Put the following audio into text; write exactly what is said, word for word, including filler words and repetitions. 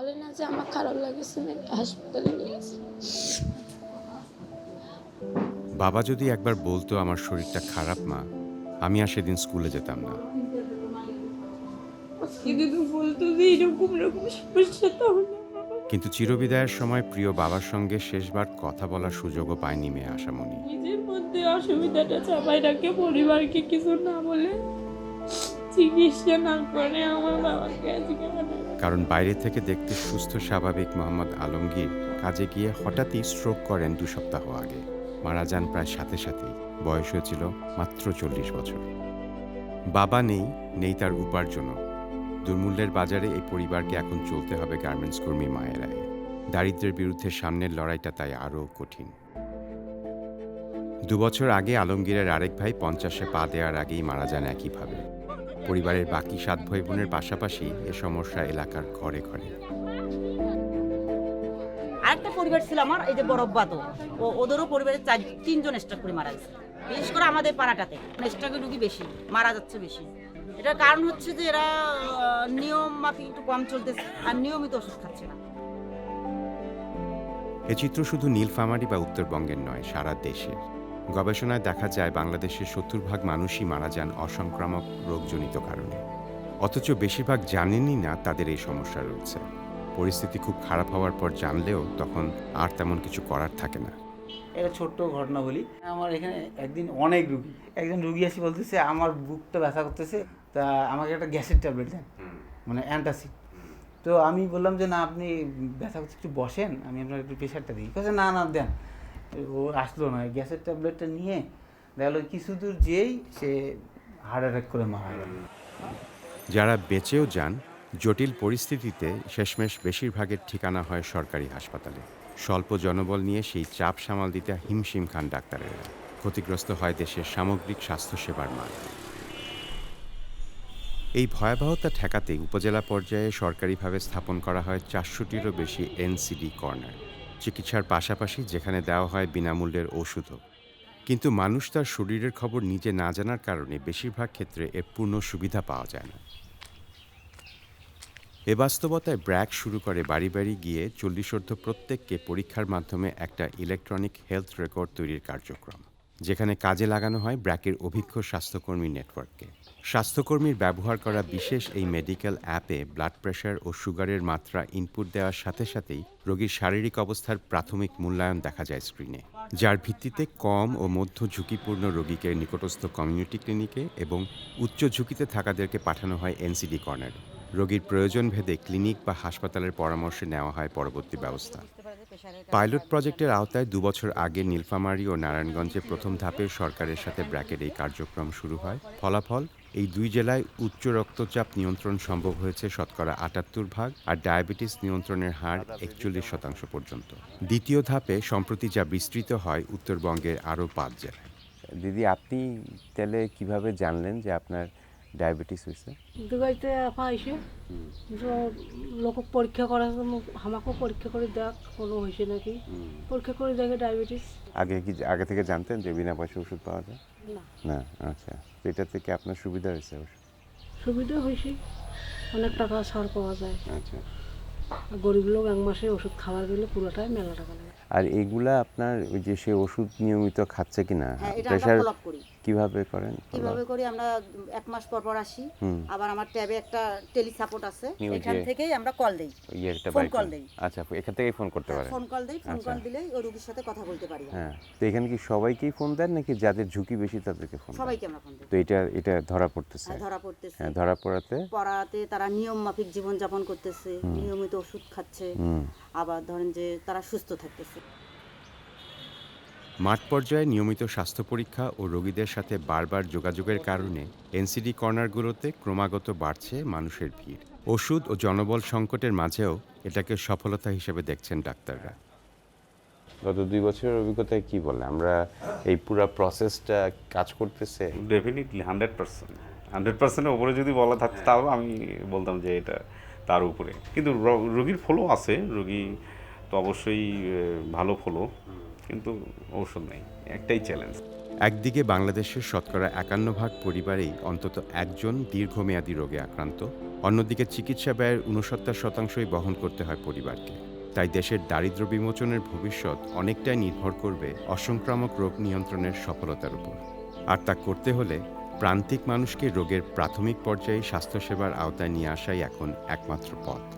বলে না যে আমার খারাপ লাগেছে নাকি হাসপাতালে নিয়ে গেছে। বাবা যদি একবার বলতো আমার শরীরটা খারাপ মা, আমি আর সেদিন স্কুলে যেতাম না। যদি বলতো যে এরকম এরকম সমস্যা তাহলে কিন্তু চিরবিদায়ের সময় প্রিয় বাবার সঙ্গে শেষবার কথা বলার সুযোগও পায়নি মেয়ে আশামণি। নিজের মধ্যে অসুবিধাটা চাপাই রাখে, পরিবারকে কিছু না বলে, চিকিৎসা না করে আমার বাবাকে আজকে মানে কারণ বাইরে থেকে দেখতে সুস্থ স্বাভাবিক মোহাম্মদ আলমগীর কাজে গিয়ে হঠাৎই স্ট্রোক করেন দু সপ্তাহ আগে। মারা যান প্রায় সাথে সাথেই। বয়স হয়েছিল মাত্র চল্লিশ বছর। বাবা নেই, নেই তার উপার্জনও। দুর্মূল্যের বাজারে এই পরিবারকে এখন চলতে হবে গার্মেন্টস কর্মী মায়েরাই। দারিদ্র্যের বিরুদ্ধে সামনের লড়াইটা তাই আরও কঠিন। দুবছর আগে আলমগীরের আরেক ভাই পঞ্চাশে পা দেওয়ার আগেই মারা যান একইভাবে। পরিবারের বাকি সাত ভাই বোনের পাশাপাশি এ সমস্যা এলাকার ঘরে ঘরে। আরেকটা পরিবার ছিল আমার, এই যে বড়ব্বা, তো ও ওদেরও পরিবারের চার তিনজন স্ট্রোক করে মারা গেছে। বিশেষ করে আমাদের পাড়াটাতে স্ট্রোকের রুগী বেশি, মারা যাচ্ছে বেশি। এটার কারণ হচ্ছে যে এরা আহ, নিয়ম মাফিক একটু কম চলতেছে আর নিয়মিত ওষুধ খাচ্ছে না। এ চিত্র শুধু নীলফামারী বা উত্তরবঙ্গের নয়, সারা দেশের। গবেষণায় দেখা যায় বাংলাদেশের সত্তর ভাগ মানুষই মারা যান অসংক্রামক রোগজনিত কারণে। অথচ বেশিরভাগ জানেনই না তাদের এই সমস্যা রয়েছে। পরিস্থিতি খুব খারাপ হওয়ার পর জানলেও তখন আর তেমন কিছু করার থাকে না। একটা ছোট্ট ঘটনা বলি। আমার এখানে একদিন অনেক রুগী, একজন রুগী আসি বলতেছে আমার বুকটা ব্যথা করতেছে, তা আমাকে একটা গ্যাসের ট্যাবলেট দেন, মানে অ্যান্টাসিড। তো আমি বললাম যে না, আপনি ব্যথা করতে একটু বসেন, আমি আপনার একটু প্রেশারটা দিই। কাছে না না দেন। ও আসলো না, গ্যাসের ট্যাবলেটটা নিয়ে দেখলো কিছু দূর যেই সে হার্ট অ্যাটাক করে মারা গেল। যারা বেঁচেও যান, জটিল পরিস্থিতিতে শেষমেশ বেশিরভাগের ঠিকানা হয় সরকারি হাসপাতালে। স্বল্প জনবল নিয়ে সেই চাপ সামাল দিতে হিমশিম খান ডাক্তারেরা। ক্ষতিগ্রস্ত হয় দেশের সামগ্রিক স্বাস্থ্যসেবার মান। এই ভয়াবহতা ঠেকাতে উপজেলা পর্যায়ে সরকারিভাবে স্থাপন করা হয় চারশোটিরও বেশি এনসিডি কর্নার। চিকিৎসার পাশাপাশি যেখানে দেওয়া হয় বিনামূল্যের ওষুধও। কিন্তু মানুষ তার শরীরের খবর নিজে না জানার কারণে বেশিরভাগ ক্ষেত্রে এর পূর্ণ সুবিধা পাওয়া যায় না। এ বাস্তবতায় ব্র্যাক শুরু করে বাড়ি বাড়ি গিয়ে চল্লিশোর্ধ্ব প্রত্যেককে পরীক্ষার মাধ্যমে একটা ইলেকট্রনিক হেলথ রেকর্ড তৈরির কার্যক্রম, যেখানে কাজে লাগানো হয় ব্র্যাকের অভিজ্ঞ স্বাস্থ্যকর্মী নেটওয়ার্ককে। স্বাস্থ্যকর্মীর ব্যবহার করা বিশেষ এই মেডিকেল অ্যাপে ব্লাড প্রেশার ও সুগারের মাত্রা ইনপুট দেওয়ার সাথে সাথেই রোগীর শারীরিক অবস্থার প্রাথমিক মূল্যায়ন দেখা যায় স্ক্রিনে, যার ভিত্তিতে কম ও মধ্য ঝুঁকিপূর্ণ রোগীকে নিকটস্থ কমিউনিটি ক্লিনিকে এবং উচ্চ ঝুঁকিতে থাকাদেরকে পাঠানো হয় এনসিডি কর্নারে। রোগীর প্রয়োজন ভেদে ক্লিনিক বা হাসপাতালের পরামর্শে নেওয়া হয় পরবর্তী ব্যবস্থা। পাইলট প্রজেক্টের আওতায় দুবছর আগে নীলফামারী ও নারায়ণগঞ্জে প্রথম ধাপে সরকারের সাথে ব্র্যাকের এই কার্যক্রম শুরু হয়। ফলাফল, এই দুই জেলায় উচ্চ রক্তচাপ নিয়ন্ত্রণ সম্ভব হয়েছে শতকরা আটাত্তর ভাগ, আর ডায়াবেটিস নিয়ন্ত্রণের হার একচল্লিশ শতাংশ পর্যন্ত। দ্বিতীয় ধাপে সম্প্রতি যা বিস্তৃত হয় উত্তরবঙ্গের আরও পাঁচ জেলায়। দিদি, আপনি তাহলে কিভাবে জানলেন যে আপনার ডায়াবেটিস হয়েছে? দুবাইতে আপা আইসে লোক পরীক্ষা করার জন্য আমাকেও পরীক্ষা করে দেখ কোনো হয়েছে নাকি, পরীক্ষা করে দেখে ডায়াবেটিস। আগে কি আগে থেকে জানতেন যে বিনা পয়সা ওষুধ পাওয়া যায়? না, না। আচ্ছা, তো এটা থেকে আপনার সুবিধা হয়েছে? সুবিধা হয়েছে, অনেক টাকা ছাড় পাওয়া যায়। আচ্ছা। আর গরিব লোক এক মাসে ওষুধ খাবার গেলে পুরোটাই মেলা টাকা লাগে। আর এইগুলা আপনার ওই যে সে ওষুধ নিয়মিত খাচ্ছে কিনা, হ্যাঁ, এটা আমরা প্রেশার ফলো আপ করি। কিভাবে করেন? কিভাবে করি আমরা, এক মাস পর পর আসি, আবার আমার ট্যাবে একটা টেলি সাপোর্ট আছে, ওই যে- এখান থেকেই আমরা কল দেই, ইয়ে একটা ফোন বাইক- কল দেই। আচ্ছা, এখান থেকেই ফোন করতে পারেন? ফোন কল দেই, ফোন আচ্ছা। কল দিলেই ওই রোগীর সাথে কথা বলতে পারি আমরা। হ্যাঁ, তো এখানে কি সবাইকেই ফোন দেন নাকি যাদের ঝুঁকি বেশি তাদেরকে ফোন দেন? সবাইকে আমরা ফোন দিই। তো এটা এটা ধরা পড়তেছে? হ্যাঁ, ধরা পড়তেছে। হ্যাঁ, ধরা পড়াতে পড়াতে তারা নিয়ম মাফিক জীবন যাপন করতেছে, নিয়মিত ওষুধ খাচ্ছে, আবার ধরেন যে তারা সুস্থ থাকতেছে। মাঠ পর্যায়ে নিয়মিত স্বাস্থ্য পরীক্ষা ও রোগীদের সাথে বারবার যোগাযোগের কারণে এনসিডি কর্নারগুলোতে ক্রমাগত বাড়ছে মানুষের ভিড়। ওষুধ ও জনবল সংকটের মাঝেও এটাকে সফলতা হিসেবে দেখছেন ডাক্তাররা। গত দুই বছরের অভিজ্ঞতায় কি বলে আমরা এই পুরো প্রসেসটা কাজ করতেছে? ডেফিনেটলি হান্ড্রেড পার্সেন্ট হান্ড্রেড পার্সেন্টের উপরে যদি বলা থাকতো তাও আমি বলতাম যে এটা তার উপরে। কিন্তু র- রোগীর ফলো আছে, রোগী তো অবশ্যই আহ, ভালো ফলো, কিন্তু ঔষধ নেই, একটাই চ্যালেঞ্জ। একদিকে বাংলাদেশের শতকরা একান্ন ভাগ পরিবারেই অন্তত একজন দীর্ঘমেয়াদী রোগে আক্রান্ত, অন্যদিকে চিকিৎসা ব্যয়ের ঊনসত্তর শতাংশই বহন করতে হয় পরিবারকে। তাই দেশের দারিদ্র্য বিমোচনের ভবিষ্যৎ অনেকটাই নির্ভর করবে অসংক্রামক রোগ নিয়ন্ত্রণের সফলতার উপর। আর তা করতে হলে প্রান্তিক মানুষকে রোগের প্রাথমিক পর্যায়ে স্বাস্থ্যসেবার আওতায় নিয়ে আসাই এখন একমাত্র পথ।